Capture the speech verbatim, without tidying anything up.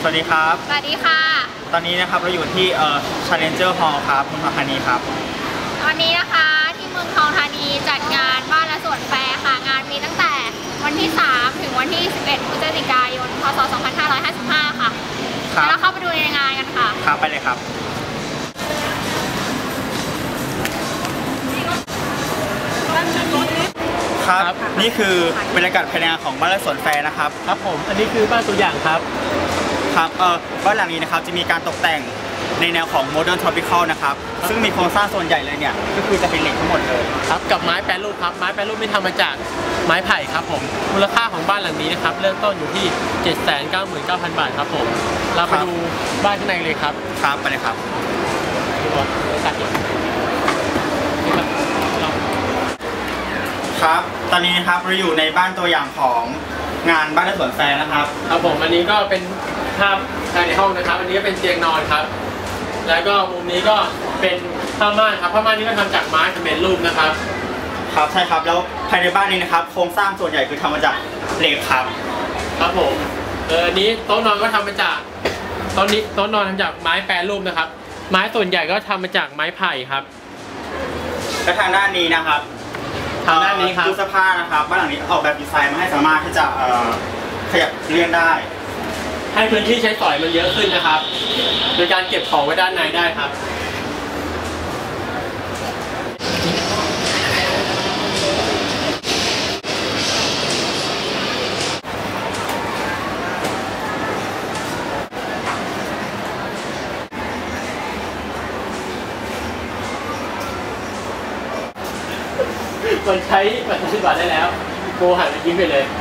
สวัสดีครับสวัสดีค่ะตอนนี้นะครับเราอยู่ที่เอ่อ Challenger Hall ครับเมืองทองธานีครับวันนี้นะคะที่เมืองทองธานีจัดงานบ้านและสวนแฟร์ค่ะงานมีตั้งแต่วันที่สามถึงวันที่สิบเอ็ดพฤศจิกายนพ.ศ. สองพันห้าร้อยห้าสิบห้าค่ะแล้วเราเข้าไปดูในงานกันค่ะครับไปเลยครับครับนี่คือบรรยากาศภายในงานของบ้านและสวนแฟร์นะครับครับผมอันนี้คือบ้านตัวอย่างครับครับเอ่อบ้านหลังนี้นะครับจะมีการตกแต่งในแนวของ Modern Tropical นะครับซึ่งมีโครงสร้างส่วนใหญ่เลยเนี่ยก็คือจะเป็นเหล็กทั้งหมดเลยครับกับไม้แปรรูปครับไม้แปรรูปไม่ทำมาจากไม้ไผ่ครับผมมูลค่าของบ้านหลังนี้นะครับเริ่มต้นอยู่ที่ เจ็ดแสนเก้าหมื่นเก้าพัน บาทครับผมเราไปดูบ้านข้างในเลยครับครับไปเลยครับครับตอนนี้นะครับเราอยู่ในบ้านตัวอย่างของงานบ้านและสวนแฟร์นะครับครับผมอันนี้ก็เป็นภาพภายในห้องนะครับอันนี้ก็เป็นเตียงนอนครับแล้วก็มุมนี้ก็เป็นผ้าม่านครับผ้าม่านนี้ก็ทำจากไม้สำเร็จรูปนะครับครับใช่ครับแล้วภายในบ้านนี้นะครับโครงสร้างส่วนใหญ่คือทำมาจากเหล็กครับครับผมเอออันนี้โต๊ะนอนก็ทำมาจากโต๊ะนี้โต๊ะนอนทำจากไม้แปรรูปนะครับไม้ส่วนใหญ่ก็ทำมาจากไม้ไผ่ครับและทางด้านนี้นะครับทางด้านนี้ครับตู้เสื้อผ้านะครับบ้านหลังนี้ออกแบบดีไซน์มาให้สามารถที่จะขยับเลื่อนได้ให้พื้นที่ใช้สอยมันเยอะขึ้นนะครับโดยการเก็บของไว้ด้านในได้ครับมันใช้ปัจจุบันได้แล้วโกหันไปยิ้มไปเลย